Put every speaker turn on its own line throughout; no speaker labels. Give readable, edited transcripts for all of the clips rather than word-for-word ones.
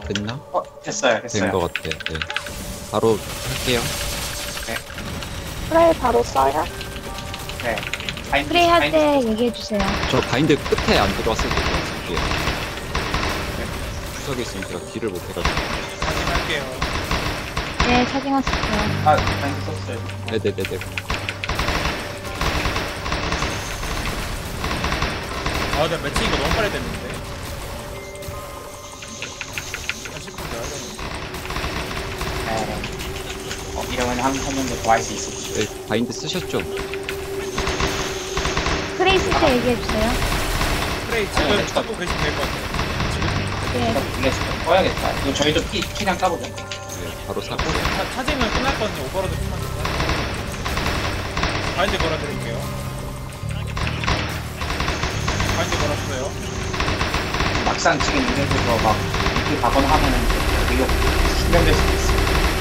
됐나?
됐어요.
된 것 같아. 네. 바로 할게요.
프레이 바로 써요?
네. 바인드,
프레이 할
바인드
때 얘기해주세요.
저 바인드 끝에 안 들어왔을 때 들어왔을게요. 구석에 있으면 제가 딜을 못 해가지고.
할게요.
네, 차징하셨어요.
바인드 썼어요.
네네네네.
아, 근데 매칭이가 너무 빨리 됐는데. 한 10분 더 하겠는데.
네. 이러면 한 번도 더 할 수 있을지.
네, 바인드 쓰셨죠?
프레이 쓸 때 얘기해주세요.
프레이 지금 찾고 계시면 될 것 같아요.
네.
블레스 꺼야겠다. 이거 저희도 피랑 까보죠.
네, 바로 사고.
찾으면 끝났거든요. 오버로드 끝만 더. 바인드 걸어드릴게요. 바인드 걸었어요.
막상 지금 이래서 막 이렇게 가거나 하면은 이거 실현될 수도 있어요.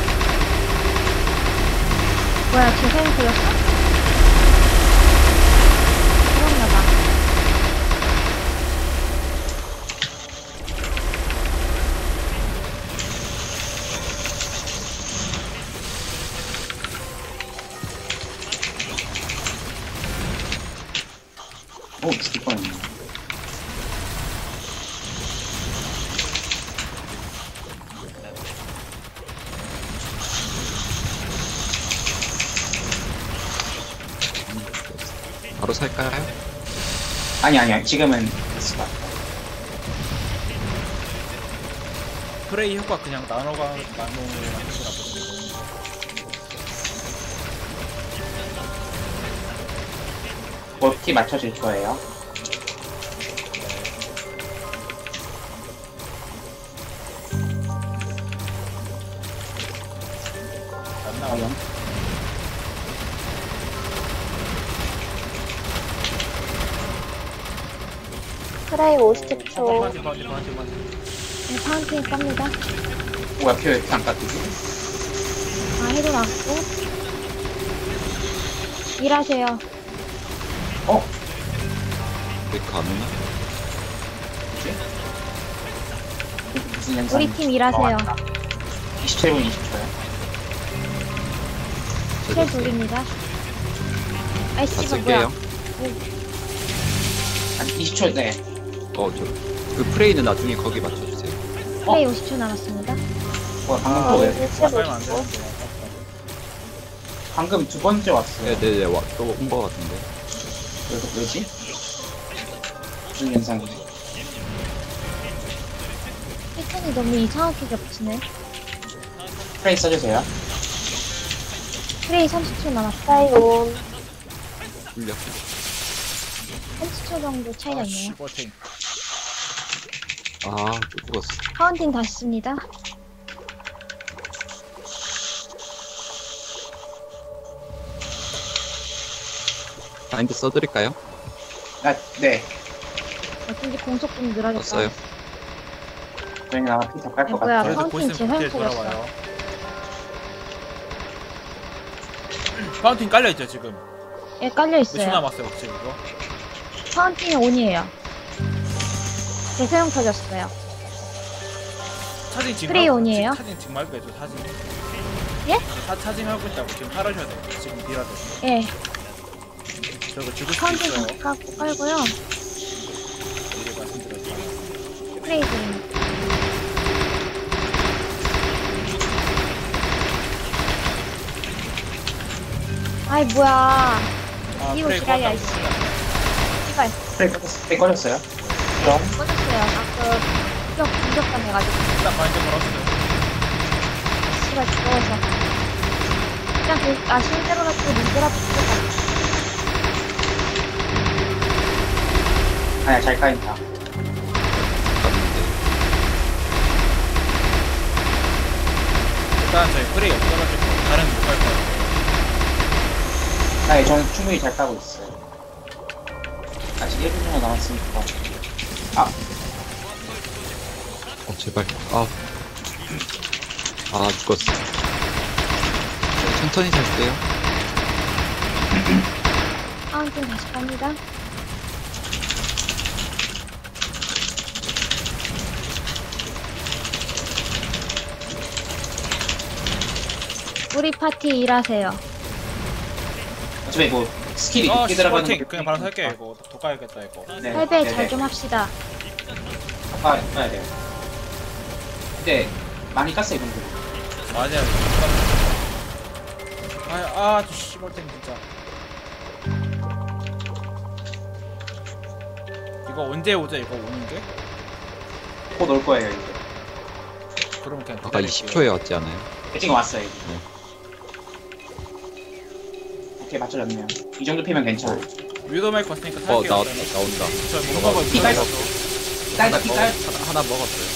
뭐야, 제 사연 보였어? 그런가봐.
오, 죽을 뻔했네.
바로 살까요?
아니, 지금은 됐을 것 같아요.
프레이 효과 그냥 나노가 나노를 만들더라고요.
피 맞춰줄 거예요.
안 나와요.
프레이 50초.
바운티.
네, 파운틴 깝니다.
뭐야, 피 왜 이렇게 안 깎이지?
아, 해도 났고. 일하세요.
왜이렇게 안 오나?
무슨 영상?
우리 팀 일하세요.
27분 20초요.
쉘 돌립니다.
다
아이씨가
쓸게요.
뭐야.
한 20초, 네.
그 프레이는 나중에 거기 맞춰주세요.
프레이 50초 남았습니다.
뭐야, 방금
저희
왜?
1체
빨면 안
50초.
되는데.
방금 두 번째 왔어요.
네네네, 또 온 거 같은데.
왜지? 무슨 현상이지?
패턴이 너무 이상하게 겹치네.
프레이 써주세요.
프레이 30초 남았어.
프레이 온.
풀려.
30초 정도 차이가 있네요.
버팅.
아, 또 죽었어.
파운틴 다시 씁니다.
바인드 써드릴까요?
네.
어쩐지 공속 좀 늘어졌다.
썼어요.
저희는 아마 피 더 깔 것
뭐야,
같아요.
그래도
파운틴
보시면
재사용
그때
터졌어.
돌아와요. 파운틴 깔려있죠 지금.
예, 깔려
몇 초
있어요.
남았어요 혹시 이거?
파운틴이 온이에요. 재사용 터졌어요.
차징 지금
프레이
하고-
온이에요?
차징 지금 말고 해줘 차징.
예?
차징 하고 있다고 지금 팔으셔야 돼요. 지금 비워야 돼요.
예,
저거 죽을 수도
파운틴
있어요.
다 깔고요.
미리 말씀드렸죠.
프레이 드립니다. 아이, 뭐야.
아
이거
프레이
기다려,
꺼졌다.
이씨. 씨발,
프레이 꺼졌어요? 그럼
꺼졌어요. 아까 공격감 해가지고.
일단 바인드 걸었어요.
씨발, 죽어서. 그냥 실제로라도 리더라도 죽겠다.
아니야, 잘 까인다.
갔는데.
일단 저희 프레이 없어가지고 다른 못갈 거예요.
아니, 저는 충분히 잘 까고 있어요. 아직 1분 정도 남았으니까.
제발. 죽었어. 천천히 살게요.
파운틴 다시 갑니다. 우리 파티 일하세요.
어차피 뭐 스킬이
아
늦게 들어가는
슈퍼팅
거
그냥 바로 살게 이거 더 가야겠다 이거.
네,
할배
네,
잘
네.
좀 합시다.
가야 돼요. 근데 많이 깠어 이 정도.
맞아요. 저 씨발탱 진짜. 이거 언제 오자 이거 오는 게?
곧 올 거예요 이제.
그러면 그냥
아까
기다릴게요.
20초에 왔지 않아요?
지금 왔어요 이제. 오케이 맞춰졌네요. 이 정도 피면 괜찮아.
위도 마이크 왔으니까 살게요.
나온다.
저못 먹어요.
피 깔- 딸기 피 깔.
하나 먹었어요.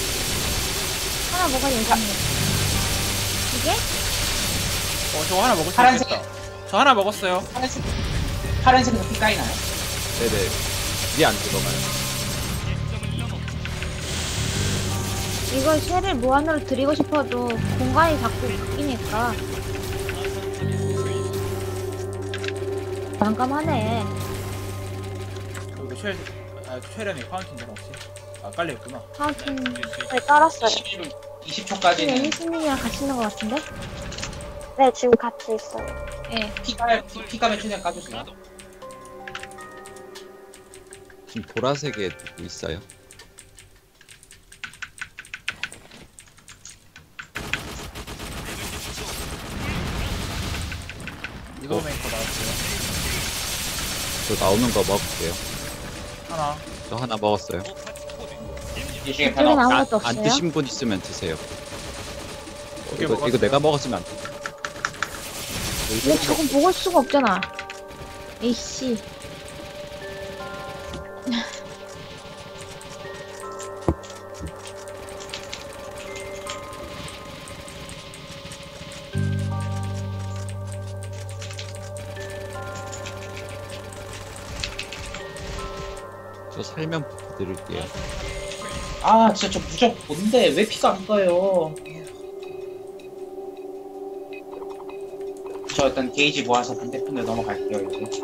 하나 먹어야 예상해요. 이게?
저거 하나 먹을 수
파란색.
있겠다. 저 하나 먹었어요.
파란색에서 피 까이나요?
네네. 이게 안 들어가요.
이걸 쇠를 무한으로 드리고 싶어도 공간이 자꾸 바뀌니까 난감하네.
이거 최련이 파운틴이랑 혹시? 아 깔려있구나.
파운틴
네, 깔았어요.
20초까지는
애니스님이랑 같이 있는 것 같은데?
네, 지금 같이 있어요.
예.
피 까면 최대한 까주세요.
지금 보라색에 누구 있어요?
위도 메이커 나왔어요.
저 나오는 거 먹을게요.
하나.
저 하나 먹었어요.
이 중에
이쪽에
변화 없
나온 것도
안
없어요?
드신 분 있으면 드세요.
두개
이거
먹었어요.
내가 먹었으면 안 돼.
이거 조금 먹을 수가 없잖아. 에이씨.
저 살면 드릴게요.
아 진짜 저 무적 뭔데 왜 피가 안 가요? 저 일단 게이지 모아서 반대편으로 넘어갈게요 이제.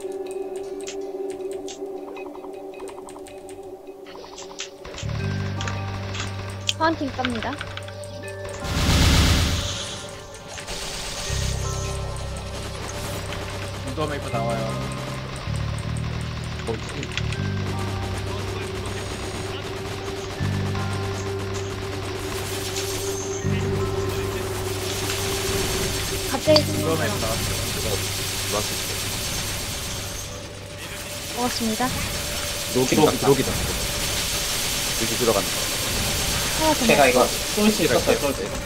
파운틴 깝니다.
위도 메이커 나와요.
갑자기
위도
생각나.
메이커 나왔어요.
들어왔을
먹었습니다.
때.
기록이다.
기록이다. 여기 들어간다.
하나 더
제가
먹
이거 쏠 수 있었어요 쏠 수.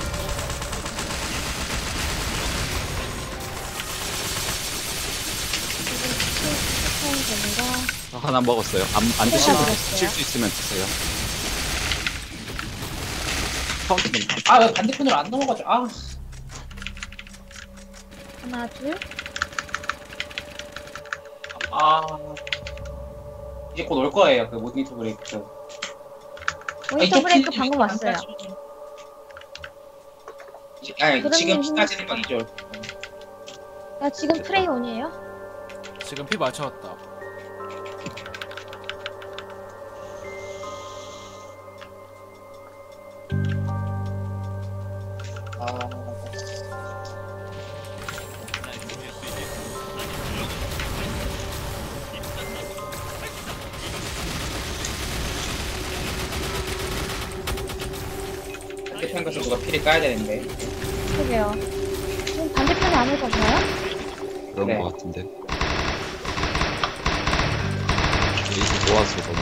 됩니다.
저 하나 먹었어요. 안 드신 분
먹었어요.
드실 수 있으면 드세요. 카운트는
아왜 반대편으로 안 넘어가죠? 아
하나, 둘.
이제 곧 올 거예요 그 모니터 브레이크.
모니터 브레이크 방금 왔어요.
아니
그러면
지금
힘-
피까지는 건 이제 올
나 지금 트레이 온이에요?
지금 피 맞춰왔다.
반대편 가서 누가 피를 까야 되는데.
그게요. 지금 반대편에 안 올 거잖아요?
그런
네.
거 같은데. 이제 모아서 너무.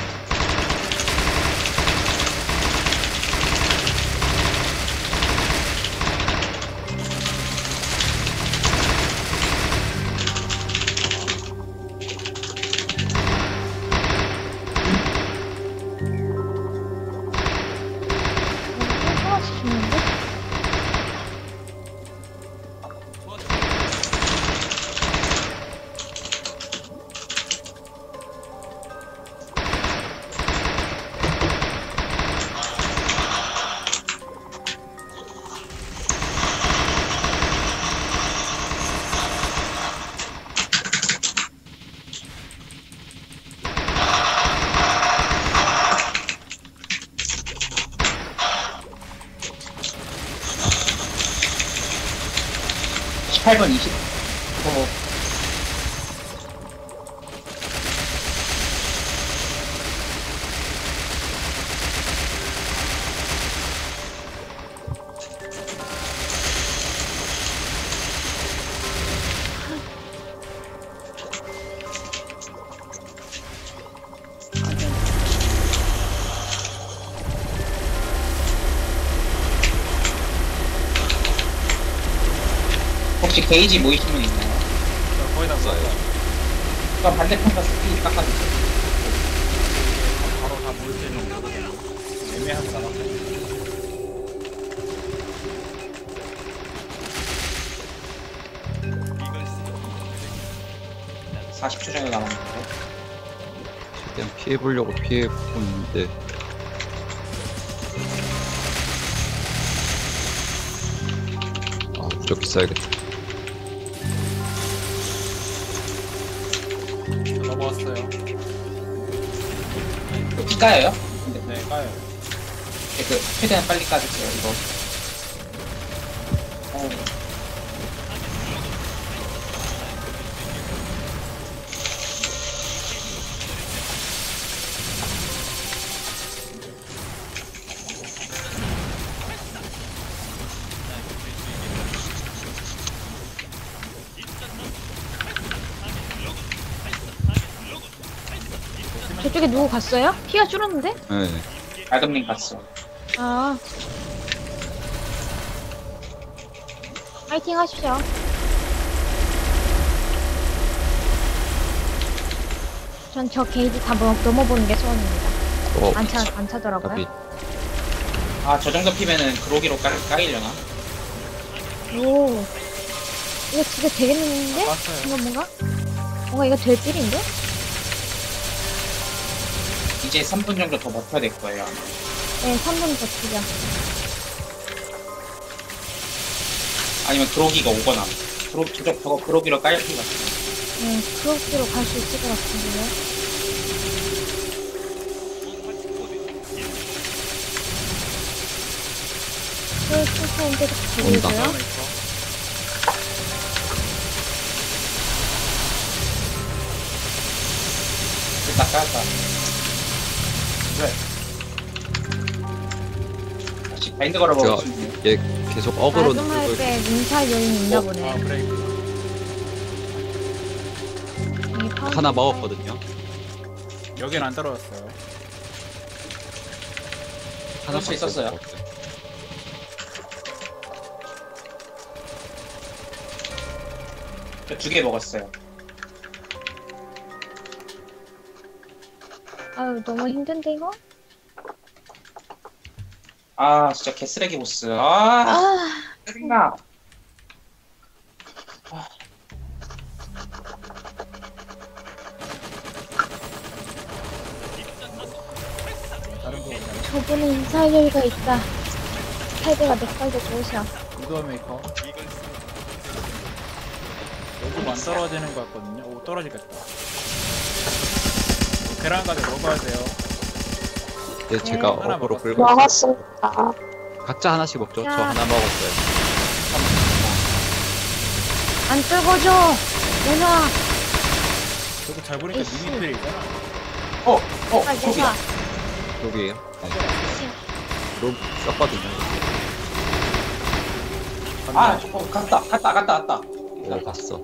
하나씩 주는데?
28분 20. 혹시 게이지 모이신 분 있나요?
저 거의 다 썼어요.
그럼 반대편 가서 스피드 깎아주세요.
바로 다 모일 때는 모르겠네. 애매하게 남았어요.
40초 정도 남았는데.
최대한 피해보려고 피해보고 있는데 아 무조건 써야겠다.
넘어왔어요.
이거 피 까여요? 근데
네, 까요.
그 최대한 빨리 까주세요. 이거.
저쪽에 누구 갔어요? 피가 줄었는데?
네.
알금님 갔어.
아. 파이팅 하십시오. 전 저 게이지 다 넘어보는 게 소원입니다. 안 차더라고요.
답이
아, 저 정도 피면은 그로기로 까이려나?
오. 이거 진짜 되겠는데?
왔어요.
이거 뭔가 이거 될 필인데?
이제 3분 정도 더 버텨야 될 거예요.
네, 3분 버티자.
아니면 그로기가 오거나. 저거 그로기로 까일 것 같아요.
네, 그렇게로 갈 수 있을 것 같은데요. 네, 천천히 계속
온다.
들리고요.
딱 까였다. 왜? 다시 바인드 걸어보고
제가
싶네요.
얘 계속 어그로
말씀할
누르고
때 민사 요인이 있나 보네.
아, 브레이크.
이 파운드
하나 먹었거든요.
여긴 안 떨어졌어요.
그럴 수 있었어요.
먹었어요.
저 2개 먹었어요.
아유, 너무 힘든데, 이거?
아, 진짜 개쓰레기 보스. 아, 짜증나.
다른 거 없나요?
저분은 인사 요인가 있다. 헤드가 몇 살도 좋으셔.
이거 메이커. 요즘 안 떨어지는 것 같거든요. 오, 떨어지겠다. 계란까지 먹어야 돼요.
얘 제가
하나
어그로
먹었어요.
끌고 있어요.
먹었습니다.
각자 하나씩 먹죠. 저
야.
하나 먹었어요.
안 떨궈줘! 내놔!
저거 잘 보니까
에이씨.
미니필이잖아.
아,
거기다.
내놔!
여기에요. 네. 로 썼거든요.
아, 갔다.
내가 봤어.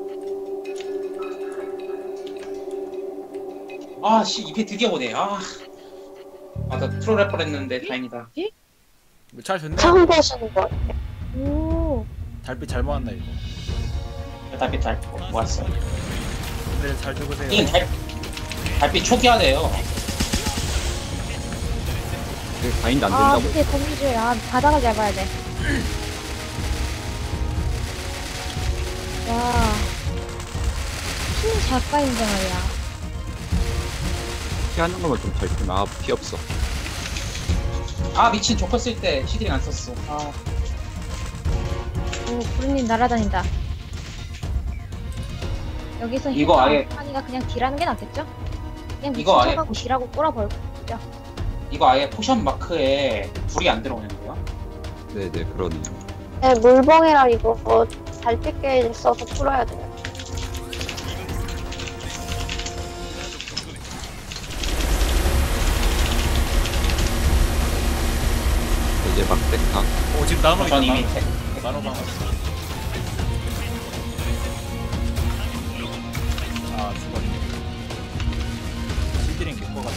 아, 씨, 입에 드디어 오네. 아, 나 트롤 할 뻔했는데 다행이다.
잘 됐네.
처음 보시는 거.
오,
달빛 잘 모았나 이거.
달빛 모았어요.
근데 잘 죽으세요.
이건 달빛 초기화돼요.
이게 바인드 안
아,
된다고.
밑에 거미줄. 아, 바닥을 잡아야 돼. 와. 힘이 잘 까인데 말이야.
피하는 것만 좀 잘 주면 아, 피 없어.
아, 미친 조커 쓸 때 시드링 안 썼어. 아,
오, 구름님 날아다닌다. 여기서
이거 아예-
하니가 그냥 딜하는 게 낫겠죠? 그냥 미친
이거 아예
척하고 딜하고 꼬라버리죠.
이거 아예 포션 마크에 불이 안 들어오는데요?
네네 그러네요.
네, 물봉이랑 이거 잘 찍게 써서 풀어야 돼요.
이제 막 데카.
지금 나노
전 이미
있다. 나노방 왔어. 아 죽었네. 시드링 개꺼가지고.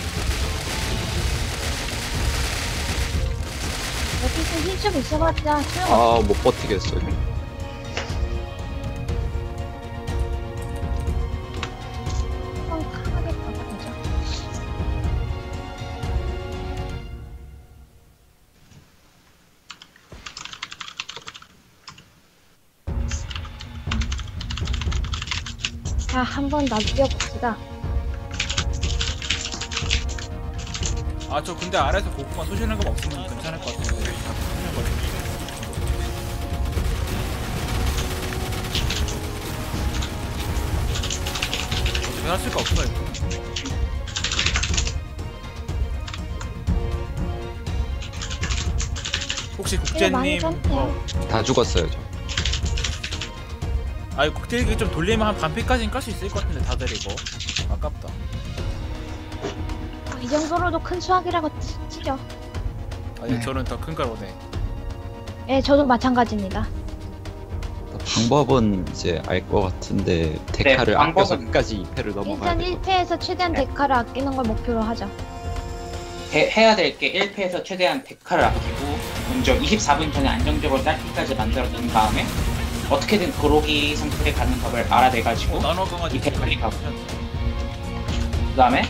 여기서 힐좀 있어봤자 소용없어.
아, 못 버티겠어요.
한번 강하게 가보자. 자, 한번 남겨봅시다.
아 저 근데 아래에서 고구마 쏘시는 거 없으면 괜찮을 것 같은데. 다 쏘시는 거 같은데. 어떻게 할 수가 없어 이거. 혹시
네, 많이
국제님
뺐네요.
다 죽었어요, 저.
아이 국제님 좀 돌리면 한 반피까지는 깔 수 있을 것 같은데 다들 이거 아깝다.
이 정도로도 큰 수확이라고 치죠.
아니 저는 더 큰 걸 원해.
예, 저도 마찬가지입니다.
방법은 이제 알 것 같은데 데카를 아껴서
방법은-
끝까지 2패를 넘어가야
일단
될 것
1패에서 최대한 데카를 아끼는 걸 목표로 하자.
해야 될 게 1패에서 최대한 데카를 아끼고 먼저 24분 전에 안정적으로 딸기까지 만들어 놓은 다음에 어떻게든 그로기 상태에 가는 법을 알아내가지고
나노 강아지
이패 빨리 가고 그 다음에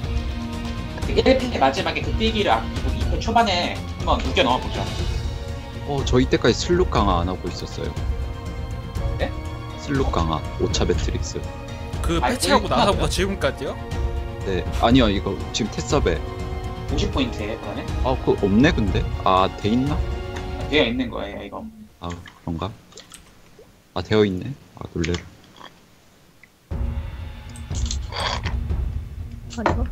1패 마지막에 그 뛰기를 아끼고 2패 초반에 한번 우겨 넣어보죠.
저 이때까지 슬룩 강화 안 하고 있었어요.
네?
슬룩 강화, 5차 매트릭스.
그
아니,
패치하고
일단-
나서부터 지금까지요?
네, 아니요, 이거 지금 테스업에.
50포인트에 그러면
그거 없네, 근데? 돼 있나?
되어 있는 거예요 이거.
그런가? 되어 있네. 놀래라.
그리고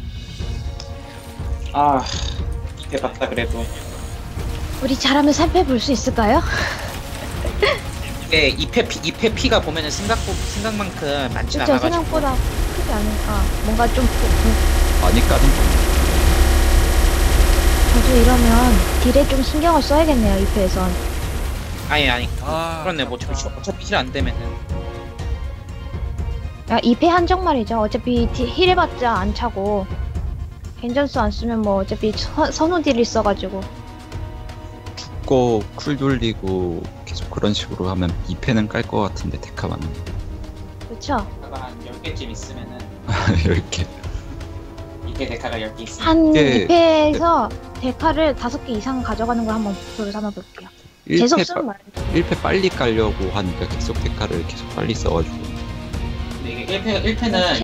아 2패 봤다 그래도
우리 잘하면 3패 볼 수 있을까요?
네 2패 피가 보면은 생각만큼 많진
진짜
않아가지고
생각보다 크지 않으니까 뭔가 좀
많이 까는 거.
저도 이러면 딜에 좀 신경을 써야겠네요. 2패에선.
아니
아
그렇네 뭐 어차피 힐 안 되면은
야, 2패 한정 말이죠. 어차피 힐 해봤자 안 차고 겐전수 안 쓰면 뭐 어차피 선호 딜이 있어가지고.
죽고 쿨 돌리고 계속 그런 식으로 하면 2패는 깔 것 같은데 데카만.
그쵸?
데카가 한 10개쯤 있으면은
10개.
2패 데카가 10개 있으면
한
이게-
2패에서 데카를 5개 이상 가져가는 걸 한번 목표로 삼아볼게요. 계속 쓰는 말.
1패 빨리 깔려고 하니까 계속 데카를 계속 빨리 써가지고.
근데 이게 1패는